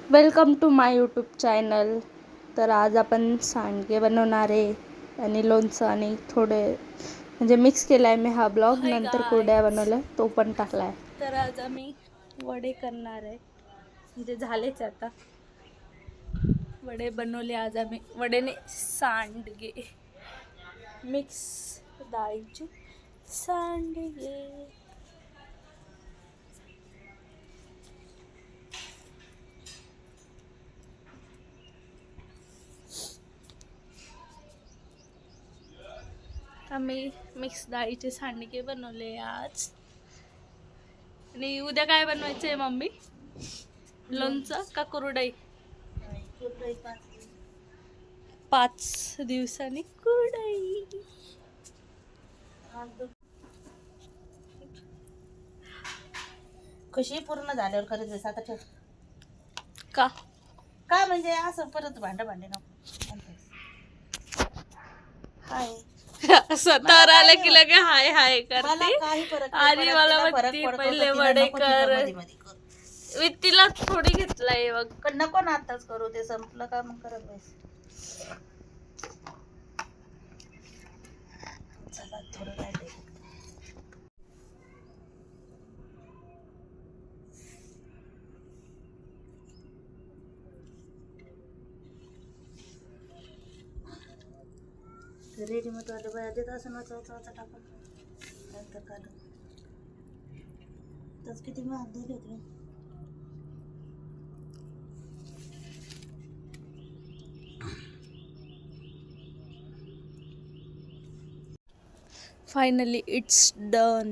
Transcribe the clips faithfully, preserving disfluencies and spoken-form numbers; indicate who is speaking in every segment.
Speaker 1: Welcome to my YouTube channel. तर आज आपण सांडगे बनवणार आहे आणि लोणचं आणि थोडे म्हणजे मिक्स केला आहे मी हा ब्लॉग. नंतर कुरड्या बनवल्या तो पण टाकला आहे. तर आज आम्ही वडे करणार आहे, म्हणजे झालेच आता. वडे बनवले आज आम्ही, वडेने सांडगे, मिक्स डाळीचे सांडगे. आम्ही मिक्स डाळीचे सांडगे बनवले आज. आणि उद्या काय बनवायचं आहे मम्मी? लोणचं का कुरडई? पाच दिवसांनी कुरडई.
Speaker 2: कशी पूर्ण झाल्यावर खरंच बस आता ठेव.
Speaker 1: का
Speaker 2: काय म्हणजे असं परत भांड भांडे नको. हाय
Speaker 1: स्वतःवर आलं की लगे हाय हाय
Speaker 2: मला
Speaker 1: करते.
Speaker 2: काही फरक नाही
Speaker 1: आणि
Speaker 2: पडत,
Speaker 1: मला
Speaker 2: तिला फरक
Speaker 1: म्हणती
Speaker 2: पडतो तर
Speaker 1: पहिले
Speaker 2: तिला
Speaker 1: वडे
Speaker 2: नको तिला
Speaker 1: कर.
Speaker 2: मध्ये मध्ये कर.
Speaker 1: मी तिला थोडी घेतलाय बघ.
Speaker 2: पण नको ना आताच करू, ते संपलं का मग करत बस. चला थोडं राहिले. रेडीमेड वाले बाया देत असं ना चौचा टाकून नंतर काढून त्याच किती महाग दिले होते.
Speaker 1: Finally it's done.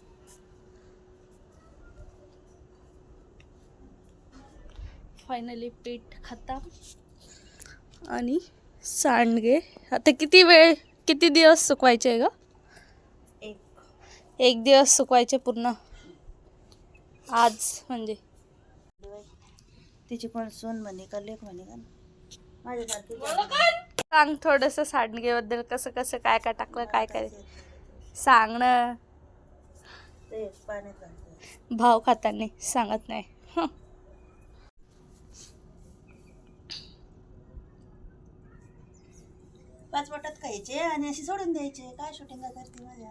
Speaker 1: फायनली पीठ खतम आणि सांडगे. आता किती वेळ किती दिवस सुकवायचे आहे ग?
Speaker 2: एक
Speaker 1: एक दिवस सुकवायचे पूर्ण. आज म्हणजे
Speaker 2: तिची पण सून म्हणे का लेख म्हणे का माझ्यासारखी
Speaker 1: सांग थोडस सांडगे बद्दल, कसं कसं काय काय टाकलं, काय काय सांग ना.
Speaker 2: ते पाण्यात घालते.
Speaker 1: भाव खाताना सांगत नाही. हं.
Speaker 2: पाच बोटात खायचे आणि अशी सोडून द्यायचे. काय शूटिंग करते माझ्या.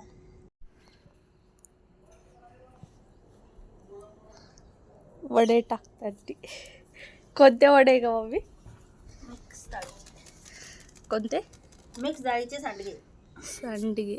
Speaker 1: वडे टाकतात ती. कोणते वडे ग मम्मी?
Speaker 2: मिक्स डाळीचे.
Speaker 1: कोणते?
Speaker 2: मिक्स डाळीचे सांडगे.
Speaker 1: सांडगे.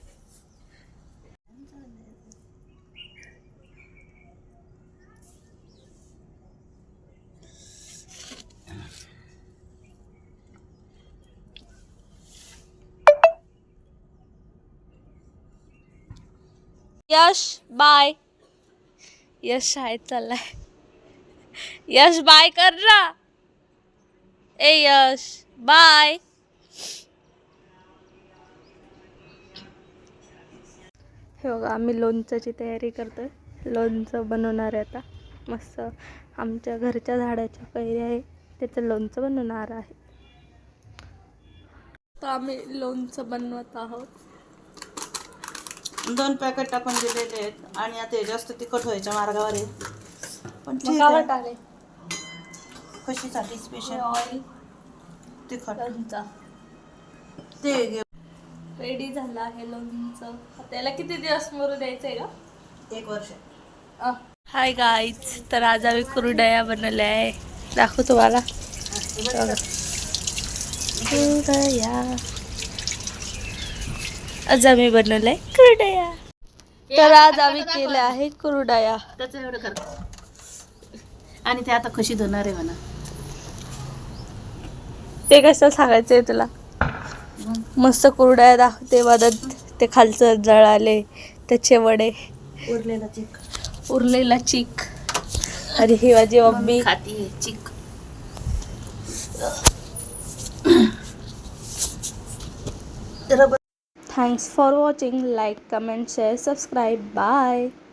Speaker 1: यश बाय. यश शाळेत चाललाय. यश बाय कर ना. ए यश बाय. हे बघा आम्ही लोणच्याची तयारी करतोय. लोणचं बनवणार आहे आता. मस्त आमच्या घरच्या झाडाच्या कैऱ्या आहे, त्याचं लोणचं बनवणार आहे. तर आम्ही लोणचं बनवत आहोत.
Speaker 2: दोन पॅकेट टाकून दिलेले आहेत आणि आता हे जास्त तिखट व्हायच्या मार्गावर आहे. पण ठीक
Speaker 1: मग
Speaker 2: आहे.
Speaker 1: टाकले
Speaker 2: कशीसाठी स्पेशल
Speaker 1: ऑइल
Speaker 2: तिखट
Speaker 1: लोणचं
Speaker 2: ते घे.
Speaker 1: रेडी झालं आहे लोणचं. त्याला किती दिवस मरू द्यायचंय का?
Speaker 2: एक वर्ष.
Speaker 1: हाय गाईज, तर आज आम्ही कुरडया बनवल्या आहे. दाखवू तुम्हाला. कुरडया आज आम्ही बनवलंय कुरडया. तर आज आम्ही केल्या आहे कुरडया.
Speaker 2: त्याचं एवढं कर. आणि ते आता कशी धुणार आहे म्हणा.
Speaker 1: ते कसं सांगायचंय तुला? मस्त कुरडया दाखवते. मदत ते खालचं जळाले त्याचे वडे,
Speaker 2: उरलेला चिक
Speaker 1: उरलेला चिक. आणि ही माझी मम्मी
Speaker 2: खाती चिक.
Speaker 1: Thanks for watching. Like, comment, share, subscribe. Bye.